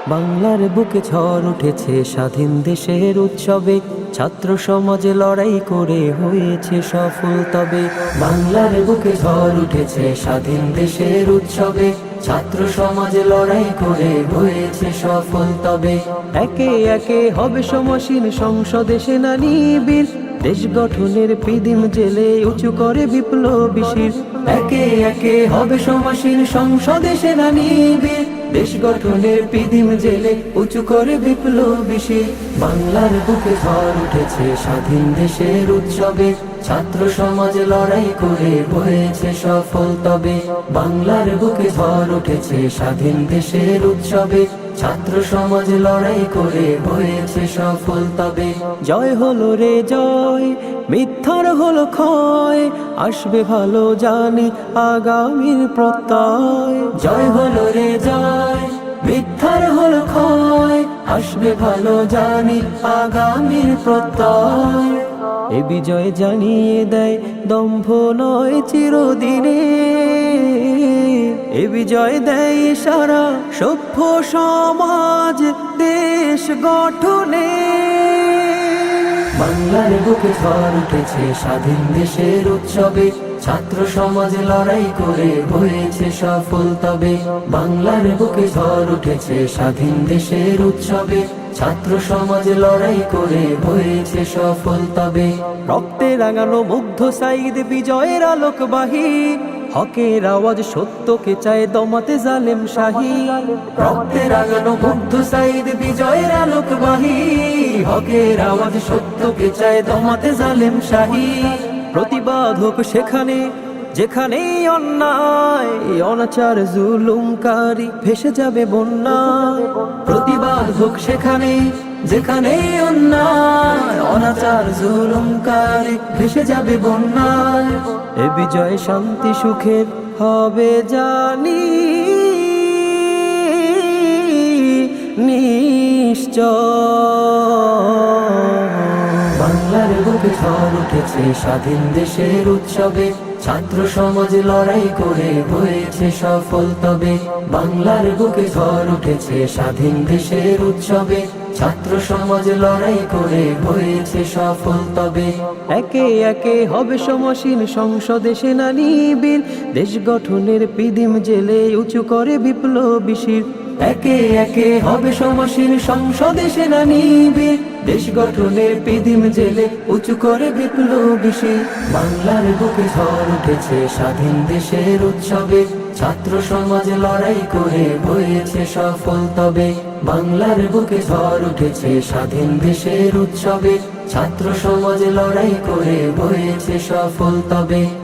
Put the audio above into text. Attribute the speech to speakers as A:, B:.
A: বাংলার বুকে ঝড় উঠেছে স্বাধীন দেশের উৎসবে, ছাত্র সমাজে লড়াই করে হয়েছে সফল তবে। বাংলার বুকে ঝড় উঠেছে স্বাধীন দেশের উৎসবে, ছাত্র সমাজে লড়াই করে হয়েছে সফল তবে। একে একে হবে সমসীন সংসদে সেনানী বীর, দেশ গঠনের পিদিম জেলে উঁচু করে বিপ্লবী শির। একে একে হবে সমসীন সংসদে সেনানী বীর, দেশ গঠনের পিদিম জেলে উঁচু করে বিপ্লবী শির। বাংলার বুকে ঝড় উঠেছে স্বাধীন দেশের উৎসবে, ছাত্র সমাজ লড়াই করে হয়েছে সফল তবে। বাংলার বুকে ঝড় উঠেছে স্বাধীন দেশের উৎসবে, ছাত্র সমাজ লড়াই করে হয়েছে সফল তবে। জয় হলো রে জয়, মিথ্যার হলো ক্ষয়, আসবে ভালো জানি আগামীর প্রত্যয়। জয় হলো রে জয়, মিথ্যার হলো ক্ষয়, আসবে ভালো জানি আগামীর প্রত্যয়। এ বিজয় জানিয়ে দেয় দম্ভ নয় চিরদিনে, এ বিজয় দেয় সারা সভ্য সমাজ দেশ গঠনে। বাংলার বুকে ঝড় উঠেছে স্বাধীন দেশের উৎসবে, ছাত্র সমাজ লড়াই করে হয়েছে সফল তবে। বাংলার বুকে ঝড় উঠেছে স্বাধীন দেশের উৎসবে, ছাত্র সমাজ লড়াই করে হয়েছে সফল তবে। রক্তে রাঙানো মুগ্ধ সাইদ বিজয়ের আলোকবাহী, হকের আওয়াজ সত্যকে চায় দমাতে জালেম শাহী। রক্তে রাঙানো মুগ্ধ সাইদ বিজয়ের আলোকবাহী, হকের আওয়াজ সত্যকে চায় দমাতে জালেম শাহী। প্রতিবাদ হোক সেখানে যেখানে অন্যায়, অনাচার জুলুমকারী ভেসে যাবে বন্যায়। প্রতিবাদ হোক সেখানে যেখানে অন্যায়, অনাচার জুলুমকারী ভেসে যাবে বন্যায়। এ বিজয় শান্তি সুখের হবে জানি নিশ্চয়। বাংলার বুকে ঝড় উঠেছে স্বাধীন দেশের উৎসবে, ছাত্র সমাজ লড়াই করে হয়েছে সফল তবে। বাংলার বুকে ঝড় উঠেছে স্বাধীন দেশের উৎসবে, ছাত্র সমাজ লড়াই করে হয়েছে সফল তবে। একে একে হবে সমসীন সংসদে সেনানী বীর, দেশ গঠনের পিদিম জেলে উঁচু করে বিপ্লবী শির। একে একে হবে সমসীন সংসদে সেনানী বীর, দেশ গঠনের পিদিম জেলে উঁচু করে বিপ্লবী শির। বাংলার বুকে ঝড় উঠেছে স্বাধীন দেশের উৎসবে, ছাত্র সমাজ লড়াই করে হয়েছে সফল তবে। বাংলার বুকে ঝড় উঠেছে স্বাধীন দেশের উৎসবে, ছাত্র সমাজ লড়াই করে হয়েছে সফল তবে।